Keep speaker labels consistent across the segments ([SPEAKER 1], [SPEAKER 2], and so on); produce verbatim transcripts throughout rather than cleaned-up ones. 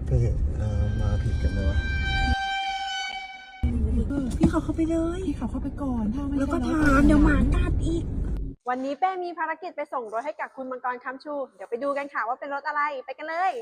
[SPEAKER 1] เป้มาผิดกันไหมวะ
[SPEAKER 2] พี่เขาเข้าไปเลย
[SPEAKER 3] พี่เขาเข้าไปก่อนถ้าไม่
[SPEAKER 2] แล้วก็ถามเดี๋ยวหมากัดอีก
[SPEAKER 4] วันนี้เป้มีภารกิจไปส่งรถให้กับคุณมังกรคำชูเดี๋ยวไปดูกันค่ะว่าเป็นรถอะไรไปกันเลย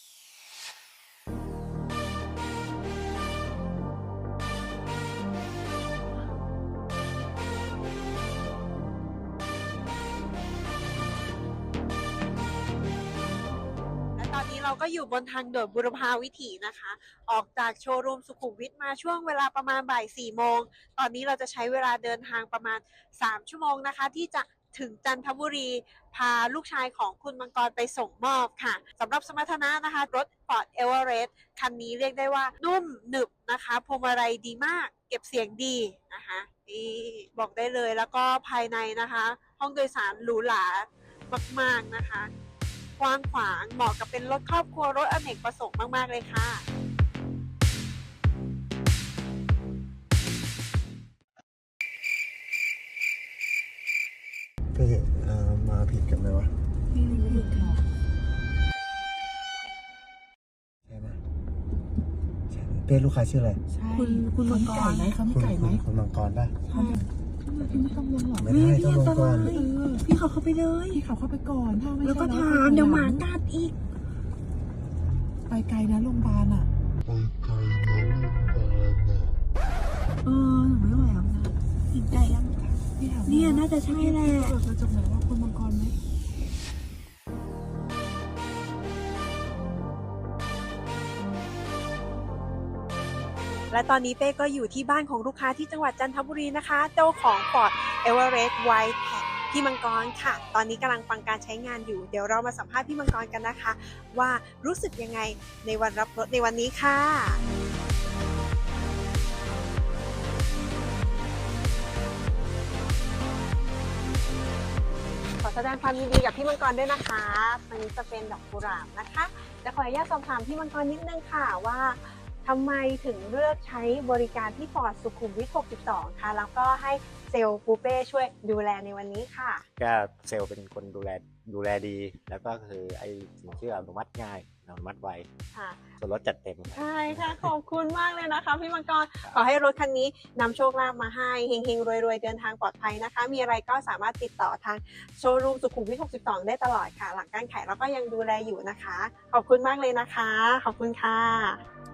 [SPEAKER 4] ตอนนี้เราก็อยู่บนทางด่วนบุรพาวิถีนะคะออกจากโชว์รูมสุขุมวิทมาช่วงเวลาประมาณบ่ายสี่โมงตอนนี้เราจะใช้เวลาเดินทางประมาณสามชั่วโมงนะคะที่จะถึงจันทบุรีพาลูกชายของคุณมังกรไปส่งมอบค่ะสำหรับสมรรถนะนะคะรถ Ford Everest คันนี้เรียกได้ว่านุ่มหนึบนะคะพวงมาลัยดีมากเก็บเสียงดีนะคะนี่บอกได้เลยแล้วก็ภายในนะคะห้องโดยสารหรูหรามากๆนะคะกว้างขวางเหมาะกับเป็นรถครอบครัวรถอเนกประสงค์มากๆเลยค่ะ
[SPEAKER 1] เป้มาผิดกันไหมวะ
[SPEAKER 3] ไม่รู้ผิดค่ะ
[SPEAKER 1] ใช่ไหมใช่ไหมเป้ลูกค้าชื่ออะไร
[SPEAKER 3] ใช่คุณคุณมังกรไหมเขามีไก่ไหม
[SPEAKER 1] คุณมังกรป่ะ
[SPEAKER 3] ใช่พี่ไม่ต้องลงหรอก
[SPEAKER 1] ไม่ได้ต้องมังกร
[SPEAKER 2] พี่เขาเข้าไปเลย
[SPEAKER 3] พี่เขาเข้าไปก่อนถ้าไม่
[SPEAKER 2] แล้วก็ถามเดี๋ยวหมากัดอีก
[SPEAKER 3] ไปไกลนะโรงพยาบาลอ่ะ
[SPEAKER 1] ไปไกลนะโรงพยาบาลอ่ะ
[SPEAKER 2] เออหนูไม่ไหวแล้วนะอีกใจยังเนี่ยน่าจะใช่แหละ
[SPEAKER 3] เราจะบอกว่าคุณมังกรไหม
[SPEAKER 4] และตอนนี้เป้ก็อยู่ที่บ้านของลูกค้าที่จังหวัดจันทบุรีนะคะเจ้าของ Ford Everest White Pack พี่มังกรค่ะตอนนี้กำลังฟังการใช้งานอยู่เดี๋ยวเรามาสัมภาษณ์พี่มังกรกันนะคะว่ารู้สึกยังไงในวันรับรถในวันนี้ค่ะขอแสดงความยินดีกับพี่มังกรด้วยนะคะอันนี้จะเป็นดอกกุหลาบนะคะจะขออนุญาตสอบถามพี่มังกรนิดนึงค่ะว่าทำไมถึงเลือกใช้บริการที่ฟอร์ดสุขุมวิทหกสิบสองค่ะแล้วก็ให้เซลล์ปูเป้ช่วยดูแลในวันนี้ค่ะ
[SPEAKER 5] ก็เซลล์เป็นคนดูแลดูแลดีแล้วก็คือไอ้สินเชื่ออนุมัติง่ายอนุมัติไว
[SPEAKER 4] ค่ะ
[SPEAKER 5] ส่วนรถจัดเต็ม
[SPEAKER 4] ใช่ค่ะขอบคุณมากเลยนะคะพี่มังกรขอให้รถคันนี้นำโชคลาภมาให้เฮงๆรวยๆเดินทางปลอดภัยนะคะมีอะไรก็สามารถติดต่อทางโชว์รูมสุขุมวิทหกสิบสองได้ตลอดค่ะหลังการขายเราก็ยังดูแลอยู่นะคะขอบคุณมากเลยนะคะขอบคุณค่ะ